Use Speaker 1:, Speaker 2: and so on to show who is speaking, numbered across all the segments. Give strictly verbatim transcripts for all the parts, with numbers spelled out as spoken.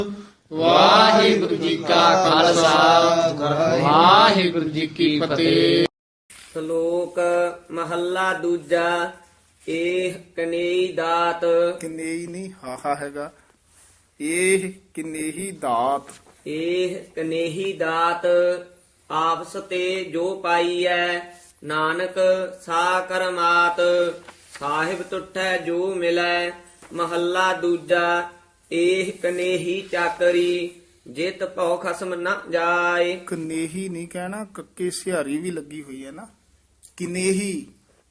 Speaker 1: ਵਾਹਿਗੁਰੂ ਜੀ ਕਾ ਖਾਲਸਾ ਵਾਹਿਗੁਰੂ ਜੀ ਕੀ ਫਤਿਹ।
Speaker 2: ਸ਼ਲੋਕ ਮਹੱਲਾ ਦੂਜਾ। ਇਹ ਕਨੇਈ ਦਾਤ।
Speaker 3: ਕਿਨੇਈ ਨਹੀਂ ਹਾਹਾ ਹੈਗਾ। ਇਹ ਕਿਨੇਹੀ ਦਾਤ।
Speaker 2: ਇਹ ਕਨੇਹੀ ਦਾਤ ਆਪਸ ਤੇ ਜੋ ਪਾਈਐ, ਨਾਨਕ ਸਾ ਕਰਮਾਤ। ਸਾਹਿਬ ਤੁਠੈ ਜੋ ਮਿਲੈ। ਮਹੱਲਾ ਦੂਜਾ। ਇਹ ਕਨੇਹੀ ਚਾਕਰੀ, ਜਿਤ ਭਉ ਖਸਮ ਨ ਜਾਏ।
Speaker 3: ਕਨੇਹੀ ਨਹੀਂ ਕਹਿਣਾ, ਕੱਕੇ ਸਿਹਾਰੀ ਵੀ ਲੱਗੀ ਹੋਈ ਹੈ ਨਾ। ਕਿਨੇਹੀ।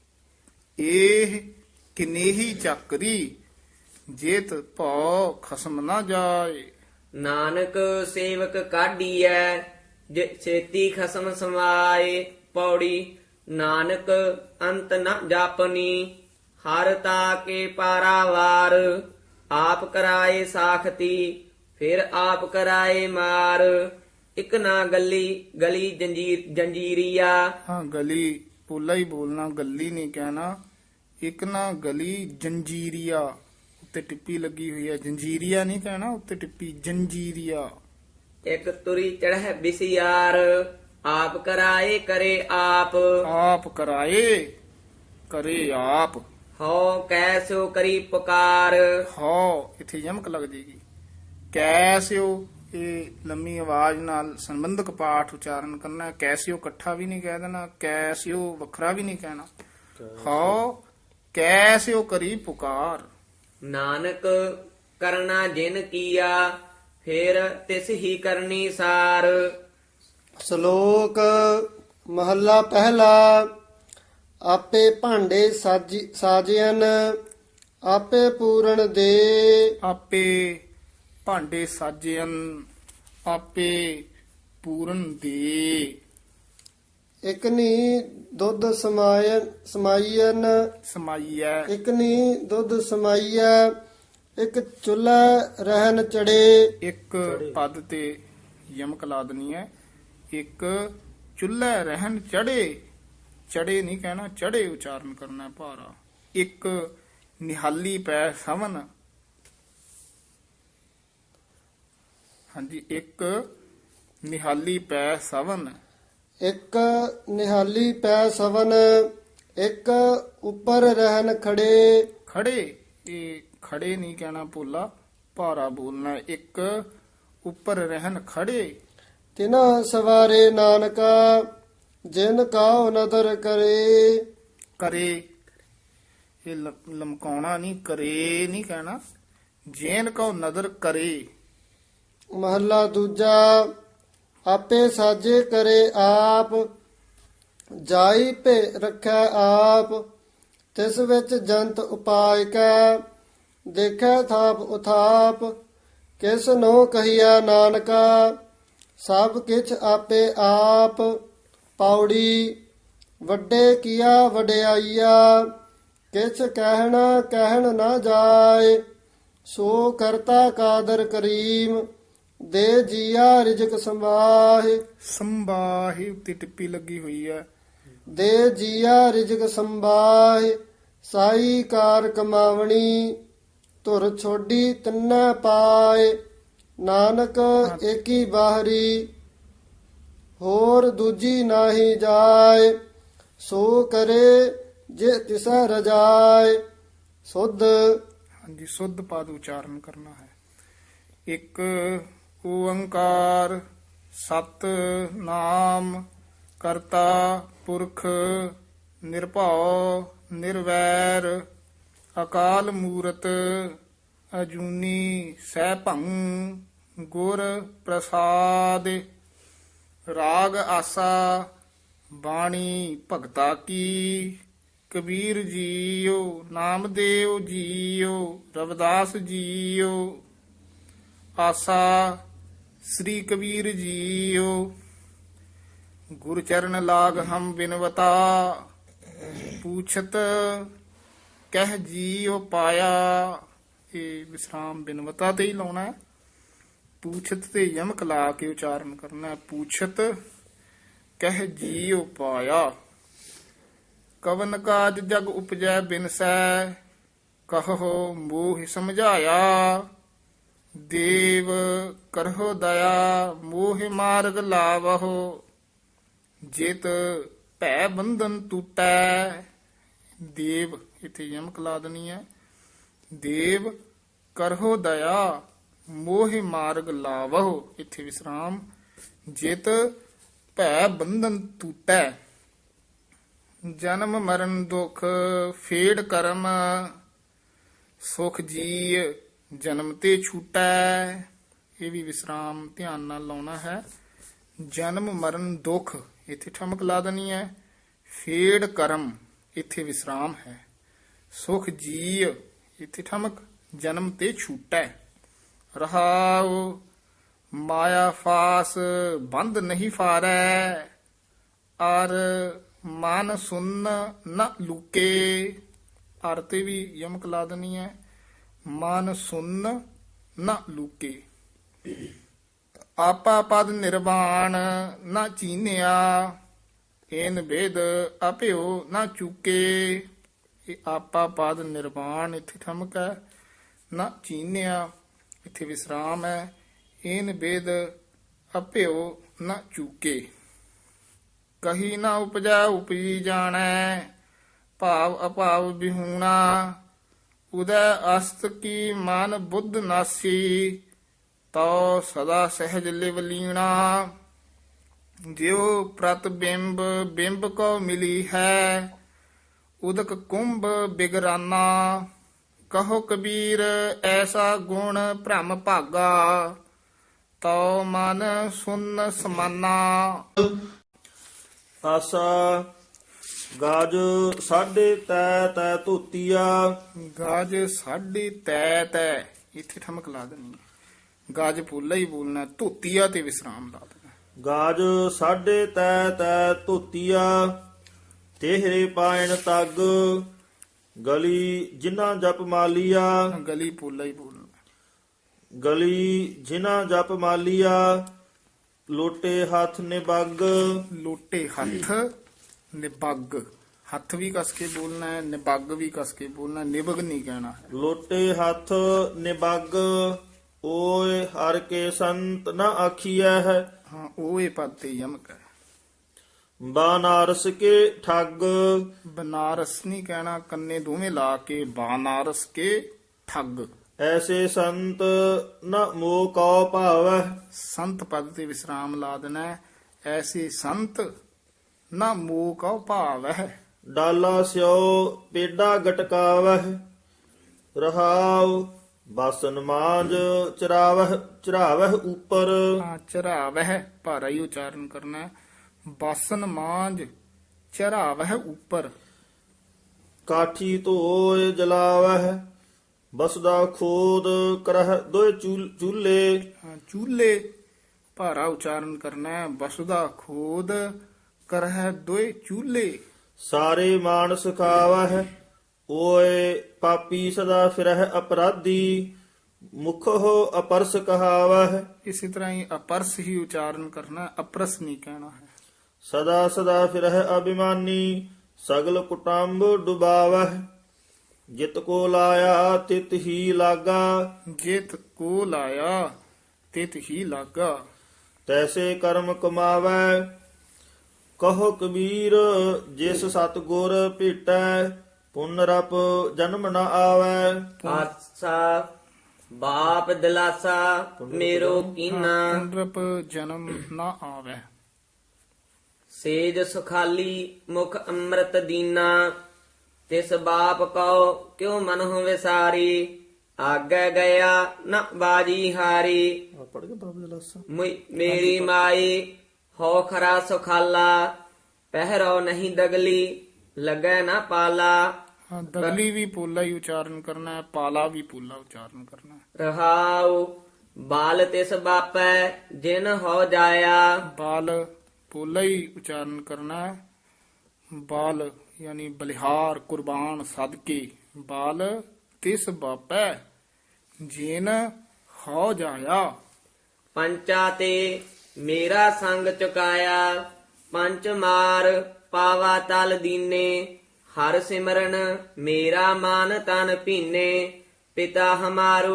Speaker 3: ਇਹ ਕਿਨੇਹੀ ਚੱਕਰੀ, ਜੇਤ ਭਉ ਖਸਮ ਨਾ ਜਾਏ।
Speaker 2: ਨਾਨਕ ਸੇਵਕ ਕਾਢੀਐ, ਜੇ ਛੇਤੀ ਖਸਮ ਸਮਾਏ। ਪੌੜੀ। ਨਾਨਕ ਅੰਤ ਨ ਜਾਪਨੀ, ਹਰ ਤਾ ਕੇ ਪਾਰਾਵਾਰ। ਆਪ ਕਰਾਏ ਸਾਖਤੀ, ਫਿਰ ਆਪ ਕਰਾਏ ਮਾਰ। ਇਕ ਨਾ ਗੱਲੀ ਗਲੀ ਜੰਜੀਰ ਜੰਜੀਰੀਆ।
Speaker 3: ਹਾਂ, ਗਲੀ ਪੋਲਾ ਹੀ ਬੋਲਣਾ, ਗੱਲੀ ਨਹੀਂ ਕਹਿਣਾ। ਇੱਕ ਨਾ ਗਲੀ ਜੰਜੀਰੀਆ, ਉੱਤੇ ਟਿੱਪੀ ਲੱਗੀ ਹੋਈ ਹੈ। ਜੰਜੀਰੀਆ ਨਹੀਂ ਕਹਿਣਾ, ਉੱਤੇ ਟਿੱਪੀ ਜੰਜੀਰੀਆ।
Speaker 2: ਇਕ ਤੁਰੀ ਚੜ੍ਹੈ ਬਿਸਿਆਰ, ਆਪ ਕਰਾਏ ਕਰੇ ਆਪ।
Speaker 3: ਆਪ ਕਰਾਏ ਕਰੇ ਆਪ।
Speaker 2: ਹਉ ਕੈਸੋ ਕਰੀ ਪੁਕਾਰ।
Speaker 3: ਹੋ ਇੱਥੇ ਯਮਕ ਲੱਗ ਜੇਗੀ। ਕੈਸਿਓ, ਇਹ ਲੰਮੀ ਆਵਾਜ਼ ਨਾਲ ਸੰਬੰਧਕ ਪਾਠ ਉਚਾਰਨ ਕਰਨਾ ਹੈ। ਕੈਸਿਓ ਇਕੱਠਾ ਵੀ ਨਹੀਂ ਕਹਿ ਦੇਣਾ, ਕੈਸਿਓ ਵੱਖਰਾ ਵੀ ਨਹੀਂ ਕਹਿਣਾ। ਹੋ ਕੈਸਿਓ ਕਰੀ ਪੁਕਾਰ।
Speaker 2: ਨਾਨਕ ਕਰਨਾ ਜਿਨ ਕੀਆ, ਫਿਰ ਤਿਸ ਹੀ ਕਰਨੀ ਸਾਰ।
Speaker 4: ਸ਼ਲੋਕ ਮਹੱਲਾ ਪਹਿਲਾ। ਆਪੇ ਭਾਂਡੇ ਸਾਜੀ ਸਾਜਿਆਨ, ਆਪੇ ਪੂਰਨ ਦੇ।
Speaker 3: ਆਪੇ ਭਾਂਡੇ ਸਾਜਿਅਨ, ਆਪੇ ਪੂਰਨ ਦੇ।
Speaker 4: ਇਕਨੀ ਦੁੱਧ ਸਮਾਇਨ ਸਮਾਈਨ,
Speaker 3: ਸਮਾਈਐ।
Speaker 4: ਇਕਨੀ ਦੁੱਧ ਸਮਾਈਐ। ਇੱਕ ਚੁੱਲ੍ਹਾ ਰਹਿਨ ਚੜੇ।
Speaker 3: ਇੱਕ ਪਦ ਤੇ ਯਮਕ ਲਾ ਦੇਣੀ ਹੈ। ਇੱਕ ਚੁੱਲ੍ਹੇ ਰਹਿਣ ਚੜੇ, ਚੜੇ ਨਹੀਂ ਕਹਿਣਾ, ਚੜੇ ਉਚਾਰਨ ਕਰਨਾ ਹੈ ਭਾਰਾ। ਇੱਕ ਨਿਹਾਲੀ ਪੈ ਸਵਨ। ਹਾਂਜੀ, ਇੱਕ ਨਿਹਾਲੀ ਪੈ ਸਵਨ।
Speaker 4: ਇੱਕ ਨਿਹਾਲੀ ਪੈ ਸਵਨ, ਇੱਕ ਉੱਪਰ ਰਹਿਨ ਖੜੇ।
Speaker 3: ਖੜੇ, ਇਹ ਖੜੇ ਨਹੀਂ ਕਹਿਣਾ ਭੋਲਾ, ਭਾਰਾ ਬੋਲਣਾ। ਇੱਕ ਉੱਪਰ ਰਹਿਣ ਖੜੇ।
Speaker 4: ਤਿਨਾ ਸਵਾਰੇ ਨਾਨਕਾ, ਜਿਨ ਕਾਉ ਨਦਰ ਕਰੇ।
Speaker 3: ਕਰੇ, ਇਹ ਲ- ਲਮਕਾਉਣਾ ਨਹੀਂ, ਕਰੇ ਨਹੀਂ ਕਹਿਣਾ। ਜੇਨ ਕੋ ਨਦਰ ਕਰੇ।
Speaker 4: ਮਹੱਲਾ ਦੂਜਾ। ਆਪੇ ਸਾਜੇ ਕਰੇ ਆਪ, ਜਾਈ ਭੇ ਰੱਖੈ ਆਪ। ਤਿਸ ਵਿੱਚ ਜੰਤ ਉਪਾਇ ਕੈ, ਦੇਖੈ ਥਾਪ ਉਥਾਪ। ਕਿਸ ਨੋ ਕਹੀਆ ਨਾਨਕਾ, ਸਭ ਕਿਛ ਆਪੇ ਆਪ। ਪੌੜੀ। ਵੱਡੇ ਕੀਆ ਵਡਿਆਈਆ, ਕਿਛ ਕਹਿਣਾ ਕਹਿਣ ਨਾ ਜਾਏ। ਸੋ ਕਰਤਾ ਕਾਦਰ ਕਰੀਮ, ਦੇ ਜੀਆ ਰਿਜਕ ਸੰਭਾਹੇ।
Speaker 3: ਸੰਬਾਹੀ ਉੱਤੇ ਟਿੱਪੀ ਲੱਗੀ ਹੋਈ ਹੈ।
Speaker 4: ਦੇ ਜੀਆ ਰਿਜਕ ਸੰਭਾਹੇ। ਸਾਈ ਕਾਰ ਕਮਾਵਣੀ, ਧੁਰ ਛੋਡੀ ਤਿੰਨੈ ਪਾਏ। ਨਾਨਕ ਏਕੀ ਬਾਹਰੀ, ਹੋਰ ਦੂਜੀ ਨਾਹੀ ਜਾਏ। ਸੋ ਕਰੇ ਜੇ ਤਿਸਾ ਰਜਾਏ। ਸੁਧ।
Speaker 3: ਹਾਂਜੀ, ਸੁੱਧ ਪਦ ਉਚਾਰਨ ਕਰਨਾ ਹੈ। ਇੱਕ ਓੰਕਾਰ ਸਤ ਨਾਮ ਕਰਤਾ ਪੁਰਖ ਨਿਰਭਉ ਨਿਰਵੈਰ ਅਕਾਲ ਮੂਰਤ ਅਜੂਨੀ ਸੈਭੰ ਗੁਰ ਪ੍ਰਸਾਦ। ਰਾਗ ਆਸਾ ਬਾਣੀ ਭਗਤਾ ਕੀ। ਕਬੀਰ ਜੀਓ, ਨਾਮਦੇਵ ਜੀਓ, ਰਵਿਦਾਸ ਜੀਓ। ਆਸਾ ਸ੍ਰੀ ਕਬੀਰ ਜੀਓ। ਗੁਰ ਚਰਨ ਲਾਗ ਹਮ ਬਿਨਵਤਾ, ਪੂਛਤ ਕਹਿ ਜੀਓ ਪਾਇਆ। ਇਹ ਵਿਸਰਾਮ ਬਿਨਵਤਾ ਤੇ ਹੀ ਲਾਉਣਾ ਹੈ। ਪੂਛਤ ਤੇ ਯਮਕ ਲਾ ਕੇ ਉਚਾਰਨ ਕਰਨਾ ਹੈ। ਪੂਛਤ ਕਹਿ ਜੀਓ ਪਾਇਆ। ਕਵਨ ਕਾਜ ਜਗ ਉਪਜੈ ਬਿਨਸੈ, ਕਹੋ ਮੋਹ ਸਮਝਾਇਆ। ਦੇਵ ਕਰਹੁ ਦਇਆ ਮੋਹਿ ਮਾਰਗ ਲਾਵਹੁ ਜਿਤ ਭੈ ਬੰਧਨ ਟੂਟੈ। ਦੇਵ ਇਥੇ ਯਮਕ ਲਾ ਦੇਣੀ ਹੈ। ਦੇਵ ਕਰਹੁ ਦਇਆ ਮੋਹਿ ਮਾਰਗ ਲਾਵਹੁ ਇਥੇ ਵਿਸਰਾਮ। ਜਿਤ ਭੈ ਬੰਧਨ ਟੂਟੈ। ਜਨਮ ਮਰਨ ਦੁਖ ਫੇੜ ਕਰਮ ਸੁਖ ਜੀ ਜਨਮ ਤੇ ਛੂਟੈ। ਇਹ ਵੀ ਵਿਸਰਾਮ ਧਿਆਨ ਨਾਲ ਲਾਉਣਾ ਹੈ। ਜਨਮ ਮਰਨ ਦੁਖ ਇੱਥੇ ਠਮਕ ਲਾ ਦੇਣੀ ਹੈ। ਫੇੜ ਕਰਮ ਇੱਥੇ ਵਿਸਰਾਮ ਹੈ। ਸੁਖ ਜੀ ਇੱਥੇ ਠਮਕ ਜਨਮ ਤੇ ਛੂਟੈ। ਰਹਾਉ ਮਾਇਆ ਫਾਸ ਬੰਧ ਨਹੀਂ ਫਾਰੈ ਅਰ ਮਨ ਸੁਨ ਨ ਲੁਕੇ। ਅਰ ਤੇ ਵੀ ਯਮਕ ਲਾ ਦੇਣੀ ਹੈ। ਮਨ ਸੁਨ ਨ ਲੁਕੇ। ਆਪਾ ਪਦ ਨਿਰਵਾਣ ਨਾ ਚੀਨਿਆ ਏਨ ਭੇਦ ਅਭਿਓ ਨਾ ਚੁਕੇ। ਇਹ ਆਪਾ ਪਦ ਨਿਰਵਾਣ ਇੱਥੇ ਠਮਕ ਹੈ। ਨਾ ਚੀਨਿਆ ਇੱਥੇ ਵਿਸਰਾਮ ਹੈ। ਏਨ ਭੇਦ ਅਭਿਓ ਨਾ ਚੁਕੇ। ਕਹੀ ਨਾ ਉਪਜਾ ਉਪਜੀ ਜਾਣੈ ਭਾਵ ਅਭਾਵ ਬਿਹੂਣਾ। ਉਦੈ ਅਸਤ ਕੀ ਮਨ ਬੁੱਧ ਨਾਸੀ ਤਉ ਸਦਾ ਸਹਿਜ ਲਿਵ ਲੀਣਾ। ਜਿਉ ਪ੍ਰਤਿਬਿੰਬ ਬਿੰਬ ਕੋ ਮਿਲੀ ਹੈ ਉਦਕ ਕੁੰਭ ਬਿਗਰਾਨਾ। ਕਹੋ ਕਬੀਰ ਐਸਾ ਗੁਣ ਭ੍ਰਮ ਭਾਗਾ ਤਉ ਮਨ ਸੁਨ ਸਮਾਨਾ।
Speaker 5: ਆਸਾ ਗਾਜ ਸਾਢੇ ਤੈ ਤੈ ਧੋਤੀਆ।
Speaker 3: ਗਾਜ ਸਾਢੇ ਤੈ ਤੈ ਇੱਥੇ ਠਮਕ ਲਾ ਦੇਣੀ ਹੈ। ਗਾਜ ਪੂਲਾ ਹੀ ਬੋਲਣਾ। ਧੋਤੀਆ ਤੇ ਵਿਸਰਾਮ ਲਾ ਦੇਣਾ।
Speaker 5: ਗਾਜ ਸਾਢੇ ਤੈ ਤੈ ਧੋਤੀਆ ਤੇਹਰੇ ਪਾਇਣ ਤੱਗ ਗਲੀ ਜਿਨ੍ਹਾਂ ਜਪ ਮਾਲੀਆ।
Speaker 3: ਗਲੀ ਪੂਲਾ ਹੀ ਬੋਲਣਾ।
Speaker 5: ਗਲੀ ਜਿਨ੍ਹਾਂ ਜਪ ਮਾਲੀਆ ਲੋਟੇ ਹੱਥ ਨਿਬੱਗ।
Speaker 3: ਲੋਟੇ ਹੱਥ ਨਿਬੱਗ। ਹੱਥ ਵੀ ਕਸ ਕੇ ਬੋਲਣਾ ਹੈ। ਨਿਬੱਗ ਵੀ ਕਸ ਕੇ ਬੋਲਣਾ। ਨਿਬਗ ਨਹੀਂ ਕਹਿਣਾ ਹੈ।
Speaker 5: ਲੋਟੇ ਹੱਥ ਨਿਬੱਗ ਓਏ ਹਰ ਕੇ ਸੰਤ ਨਾ ਆਖੀਐ ਹੈ।
Speaker 3: ਹਾਂ ਉਹ ਇਹ ਪਦ ਤੇ ਯਮਕ ਹੈ।
Speaker 5: ਬਾਨਾਰਸ ਕੇ ਠੱਗ।
Speaker 3: ਬਨਾਰਸ ਨਹੀਂ ਕਹਿਣਾ। ਕੰਨੇ ਦੋਵੇਂ ਲਾ ਕੇ ਬਾਨਾਰਸ ਕੇ ਠੱਗ।
Speaker 5: ਐਸੇ ਸੰਤ ਨ ਮੋਹ ਕਉ ਭਾਵੈ।
Speaker 3: ਸੰਤ ਪਦ ਤੇ ਵਿਸਰਾਮ ਲਾ ਦੇਣਾ ਹੈ। ਐਸੇ ਸੰਤ ਨਾ ਮੋਹ ਕਉ ਭਾਵੈ।
Speaker 5: ਡਾਲਾ ਸਿਓ ਪੇਡਾ ਗਟਕਾਵਹਿ ਰਹਾਉ ਬਾਸਨ ਮਾਂਜ ਚਰਾਵਹਿ ਚਰਾਵਹਿ ਉਪਰ।
Speaker 3: ਹਾਂ ਚਰਾਵਹਿ ਭਾਰਾ ਹੀ ਉਚਾਰਨ ਕਰਨਾ ਹੈ। ਬਾਸਨ ਮਾਂਜ ਚਰਾਵਹਿ ਉਪਰ।
Speaker 5: ਕਾਠੀ ਧੋਏ ਜਲਾਵਹਿ ਬਸਦਾ ਖੋਦ ਕਰਹਿ ਦੋਇ ਚੂਲ- ਚੂਲੇ।
Speaker 3: ਹਾਂ, ਚੂਲੇ ਭਾਰਾ ਉਚਾਰਨ ਕਰਨਾ ਹੈ। ਬਸਦਾ ਖੋਦ ਕਰਹਿ ਦੋਏ ਚੂਲੇ।
Speaker 5: ਸਾਰੇ ਮਾਨਸ ਖਾਵਹਿ ਓਏ ਪਾਪੀ ਸਦਾ ਫਿਰਹਿ ਅਪਰਾਧੀ ਮੁਖੋ ਅਪਰਸ ਕਹਾਵਹਿ।
Speaker 3: ਇਸੇ ਤਰ੍ਹਾਂ ਹੀ ਅਪਰਸ ਹੀ ਉਚਾਰਨ ਕਰਨਾ ਹੈ। ਅਪਰਸ ਨਹੀਂ ਕਹਿਣਾ ਹੈ।
Speaker 5: ਸਦਾ ਸਦਾ ਫਿਰਹਿ ਅਭਿਮਾਨੀ ਸਗਲ ਕੁਟੰਬ ਡੁਬਾਵਹਿ ਜਿਤ ਕੋ ਲਾਇਆ ਤਿਤ ਹੀ ਲਾਗਾ।
Speaker 3: ਜਿਤ ਕੋ ਲਾਇਆ ਤਿਤ ਹੀ ਲਾਗਾ।
Speaker 5: ਤੈਸੇ ਕਰਮ ਕਮਾਵੈ ਕਹੋ ਕਬੀਰ ਜਿਸ ਸਤਗੁਰ ਭੇਟੈ ਪੁਨਰਪ ਜਨਮ ਨ ਆਵੈ।
Speaker 2: ਆਸਾ ਬਾਪ ਦਿਲਾਸਾ ਮੇਰੋ ਕੀਨਾ।
Speaker 3: ਪੁਨਰਪ ਜਨਮ ਨਾ ਆਵੇ।
Speaker 2: ਸੇਜ ਸੁਖਾਲੀ ਮੁਖ ਅੰਮ੍ਰਿਤ ਦੀਨਾ ਤਿਸ ਬਾਪ ਕਉ ਕਿਉ ਮਨਹੁ ਵਿਸਾਰੀ। ਆਗੇ ਗਿਆ ਨ ਬਾਜੀ ਹਾਰੀ।
Speaker 5: ਪੜ ਕੇ ਬਾਬਾ ਦਲਾਸਾ।
Speaker 2: ਮੁਈ- ਮੇਰੀ ਮਾਈ ਹੋ ਖਰਾ ਸੁਖਾਲਾ ਪਹਿਰੋ ਨਹੀਂ ਦਗਲੀ ਲੱਗੈ ਨਾ ਪਾਲਾ।
Speaker 3: ਹਾਂ, ਦਗਲੀ ਵੀ ਪੋਲਾ ਹੀ ਉਚਾਰਨ ਕਰਨਾ ਹੈ। ਪਾਲਾ ਵੀ ਪੋਲਾ ਉਚਾਰਨ ਕਰਨਾ ਹੈ।
Speaker 2: ਰਹਾਉ ਬਾਲ ਤਿਸ ਬਾਪੈ ਜਿਨ ਹੋ ਜਾਇਆ।
Speaker 3: ਬਾਲ ਪੋਲਾ ਹੀ ਉਚਾਰਨ ਕਰਨਾ ਹੈ। ਬਾਲ ਯਾਨੀ ਬਲਿਹਾਰ ਕੁਰਬਾਨ ਸਦਕੇ। ਬਾਲ ਤਿਸ ਬਾਪੈ ਜਿਨ ਹੋ ਜਾਇਆ।
Speaker 2: ਪੰਚਾ ਤੇ ਮੇਰਾ ਸੰਗ ਚੁਕਾਇਆ ਪੰਚ ਮਾਰ ਪਾਵਾ ਤਲ ਦੀਨੇ। ਹਰ ਸਿਮਰਨ ਮੇਰਾ ਮਾਨ ਤਨ ਭੀਨੇ ਪਿਤਾ ਹਮਾਰੂ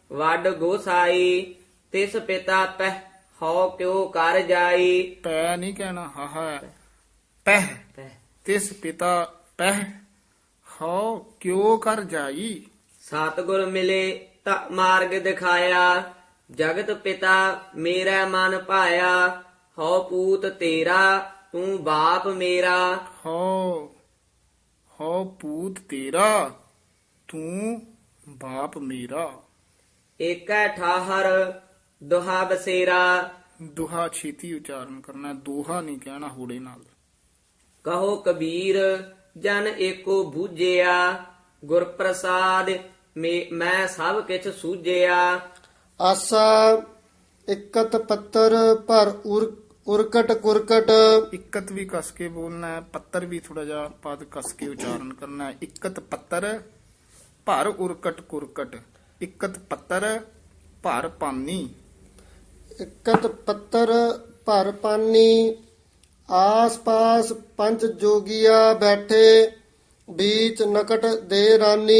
Speaker 2: ਵੱਡ ਗੋਸਾਈ ਤਿਸ ਪਿਤਾ ਪਹਿ ਹਉ ਕਿਉ ਕਰ ਜਾਈ।
Speaker 3: ਪੈ ਨਹੀਂ ਕਹਿਣਾ, ਹਾਹਾ ਹੈ। ਪਹਿ
Speaker 2: ਪਹਿ
Speaker 3: ਤਿਸ ਪਿਤਾ ਪਹਿ ਹਉ ਕਿਉ ਕਰ ਜਾਈ।
Speaker 2: ਸਤਿਗੁਰ ਮਿਲੇ ਤਾਂ ਮਾਰਗ ਦਿਖਾਇਆ, ਜਗਤ ਪਿਤਾ ਮੇਰਾ ਮਨ ਭਾਇਆ। ਹਉ ਪੂਤ ਤੇਰਾ ਤੂੰ ਬਾਪ ਮੇਰਾ,
Speaker 3: ਹਉ ਹਉ ਪੂਤ ਤੇਰਾ ਤੂੰ ਬਾਪ ਮੇਰਾ।
Speaker 2: ਏਕੈ ਠਾਹਰ ਦੁਹਾ ਬਸੇਰਾ।
Speaker 3: ਦੁਹਾ ਛੇਤੀ ਉਚਾਰਨ ਕਰਨਾ, ਦੋਹਾ ਨਹੀਂ ਕਹਿਣਾ ਹੂੜੇ ਨਾਲ।
Speaker 2: ਕਹੋ ਕਬੀਰ ਜਨ ਏਕੋ ਬੂਝਿਆ, ਗੁਰ ਪ੍ਰਸਾਦ ਮੇ- ਮੈਂ ਸਭ ਕਿਛ ਸੂਝਿਆ।
Speaker 4: ਆਸਾ ਇਕਤ ਪੱਤਰ ਭਰ ਉਰ ਉਰਕਟ ਕੁਰਕਟ।
Speaker 3: ਇਕਤ ਵੀ ਕਸ ਕੇ ਬੋਲਣਾ ਹੈ, ਪੱਤਰ ਵੀ ਥੋੜਾ ਜਿਹਾ ਪਦ ਕਸ ਕੇ ਉਚਾਰਨ ਕਰਨਾ ਹੈ। ਇਕਤ ਪੱਤਰ ਭਰ ਉਰਕਟ ਕੁਰਕਟ। ਇਕਤ ਪੱਤਰ ਭਰ ਪਾਨੀ।
Speaker 4: ਇਕਤ ਪੱਤਰ ਭਰ ਪਾਨੀ। ਆਸ ਪਾਸ ਪੰਜ ਜੋਗੀਆ ਬੈਠੇ, बीच नकट दे रानी।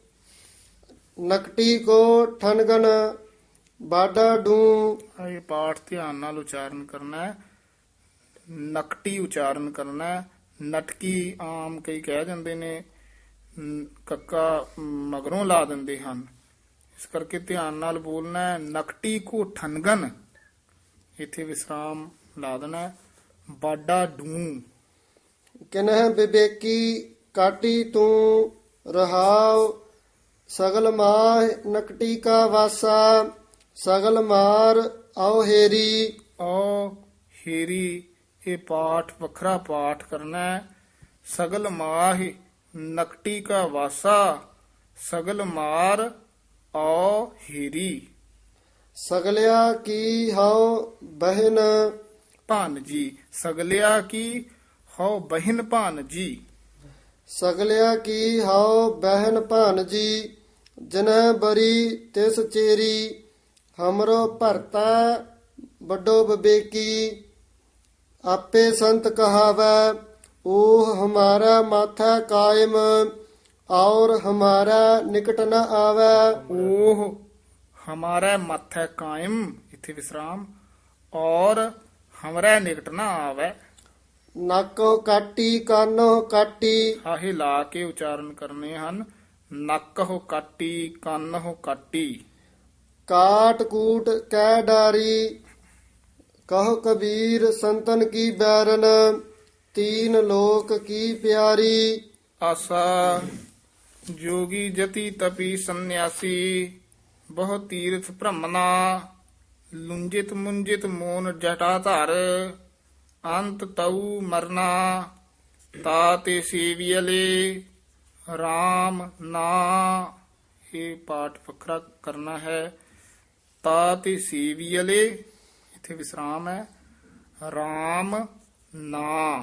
Speaker 4: ਨਕਟੀ ਕੋ ਠਨਗਨ ਬਾਡਾ ਡੂ।
Speaker 3: ਇਹ ਪਾਠ ਧਿਆਨ ਨਾਲ ਉਚਾਰਨ ਕਰਨਾ ਹੈ, ਨਕਟੀ ਉਚਾਰਨ ਕਰਨਾ ਹੈ। ਨਟਕੀ ਆਮ ਕਈ ਕਹਿ ਜਾਂਦੇ ਨੇ, ਨ- ਕੱਕਾ ਮਗਰੋਂ ਲਾ ਦਿੰਦੇ ਹਨ, ਇਸ ਕਰਕੇ ਧਿਆਨ ਨਾਲ ਬੋਲਣਾ ਹੈ। ਨਕਟੀ ਕੋ ਠਨਗਨ, ਇੱਥੇ ਵਿਸਰਾਮ ਲਾ ਦੇਣਾ ਹੈ। ਬਾਡਾ ਡੂ।
Speaker 4: ਕਿਨਹਿ ਵਿਵੇਕੀ ਕਾਟੀ ਤੂੰ ਰਹਾਉ। ਸਗਲ ਮਾਹ ਨਕਟੀ ਕਾ ਵਾਸਾ। ਸਗਲ ਮਾਰ ਆਓ ਹੇਰੀ।
Speaker 3: ਔ ਹੇਰੀ, ਇਹ ਪਾਠ ਵੱਖਰਾ ਪਾਠ ਕਰਨਾ ਹੈ। ਸਗਲ ਮਾਹਿ ਨਕਟੀ ਕਾ ਵਾਸਾ। ਸਗਲ ਮਾਰ ਔ ਹੇਰੀ।
Speaker 4: ਸਗਲਿਆ ਕੀ ਹਉ ਬਹਿਨ।
Speaker 3: ਭਾਨ ਜੀ। ਸਗਲਿਆ ਕੀ ਹਉ ਬਹਿਨ ਭਾਨ ਜੀ।
Speaker 4: ਸਗਲਿਆ ਕੀ ਹਉ ਬਹਿਨ ਭਾਨ ਜੀ। ਜਿਨਹਿ ਬਰੀ ਤਿਸ ਚੇਰੀ। ਹਮਰੋ ਭਰਤਾ ਵੱਡੋ ਵਿਵੇਕੀ। ਆਪੇ ਸੰਤ ਕਹਾਵੈ ਉਹ ਹਮਾਰਾ ਮਾਥਾ ਕਾਇਮ। ਔਰ ਹਮਾਰਾ ਨਿਕਟ ਨ ਆਵੈ।
Speaker 3: ਉਹ ਹਮਾਰਾ ਮੱਥ ਕਾਇਮ, ਇੱਥੇ ਵਿਸਰਾਮ। ਔਰ ਹਮਰਾ ਨਿਕਟ ਨਾ ਆਵੈ।
Speaker 4: ਨੱਕੋ ਕਾਟੀ ਕਾਨੋ ਕਾਟੀ।
Speaker 3: ਹਾਹੇ ਲਾ ਕੇ ਉਚਾਰਨ ਕਰਨੇ ਹਨ। ਨੱਕ ਹੋ ਕਾਟੀ, ਕੰਨ ਹੋ ਕਾਟੀ।
Speaker 4: ਕਾਟ ਕੂਟ ਕੈ ਡਾਰੀ। ਕਹੋ ਕਬੀਰ ਸੰਤਨ ਕੀ ਬੈਰਨ। ਤੀਨ ਲੋਕ ਕੀ ਪਿਆਰੀ।
Speaker 3: ਆਸਾ ਜੋਗੀ ਜਤੀ ਤਪੀ ਸੰਨਿਆਸੀ। ਬਹੁ ਤੀਰਥ ਭ੍ਰਮਣਾ। ਲੁੰਜਿਤ ਮੁੰਜਿਤ ਮੋਨ ਜਟਾ ਧਰ। ਅੰਤ ਤਉ ਮਰਨਾ। ਤਾਤੇ ਸੇਵੀਅਲੇ ਰਾਮ ਨਾ। ਇਹ ਪਾਠ ਵੱਖਰਾ ਕਰਨਾ ਹੈ। ਤਾਤੇ ਸੇਵੀਅਲੇ, ਇੱਥੇ ਵਿਸਰਾਮ ਹੈ। ਰਾਮ ਨਾ।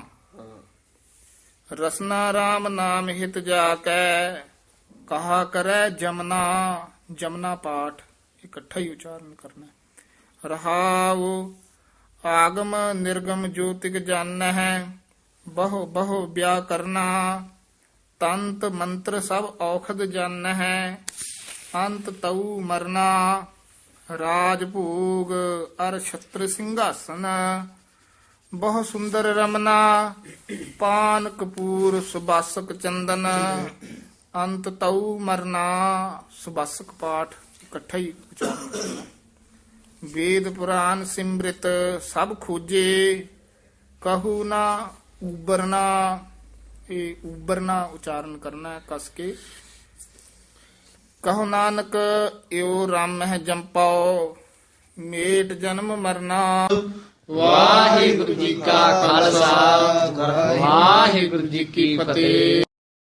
Speaker 3: ਰਸਨਾ ਰਾਮ ਨਾਮ ਹਿਤ ਜਾ ਕੈ। ਕਹਾ ਕਰੈ ਜਮਨਾ। ਜਮਨਾ ਪਾਠ ਇਕੱਠਾ ਹੀ ਉਚਾਰਨ ਕਰਨਾ ਹੈ। ਰਹਾਉ ਆਗਮ ਨਿਰਗਮ ਜੋਤਿਕ ਜਾਣਹਿ। ਬਹੁ ਬਹੁ ਵਿਆਹ ਕਰਨਾ। ਤੰਤ ਮੰਤਰ ਸਭ ਔਖਦ ਜਾਣਹਿ। ਅੰਤ ਤਉ ਮਰਨਾ। ਰਾਜ ਭੋਗ ਅਰ ਛਤਰ ਸਿੰਘਾਸਨ। ਬਹੁ ਸੁੰਦਰ ਰਮਨਾ। ਪਾਨ ਕਪੂਰ ਸੁਬਾਸਕ ਚੰਦਨ। ਅੰਤ ਤਉ ਮਰਨਾ। ਸੁਬਾਸਕ ਪਾਠ ਇਕੱਠਾ ਹੀ ਉਚਾਰਨ ਕਰਨਾ। ਵੇਦ ਪੁਰਾਨ ਸਿਮ੍ਰਿਤ ਸਭ ਖੋਜੇ। ਕਹੂ ਨਾ ਉਬਰਨਾ। ਇਹ ਉਬਰਨਾ ਉਚਾਰਨ ਕਰਨਾ ਹੈ ਕਸ ਕੇ। ਕਹੋ ਨਾਨਕ ਇਉ ਰਾਮ ਹੈ ਜੰਪਾਓ। ਮੇਟ ਜਨਮ ਮਰਨਾ।
Speaker 1: ਵਾਹਿਗੁਰੂ ਜੀ ਕਾ ਖਾਲਸਾ ਵਾਹਿਗੁਰੂ ਜੀ ਕੀ ਫਤਿਹ।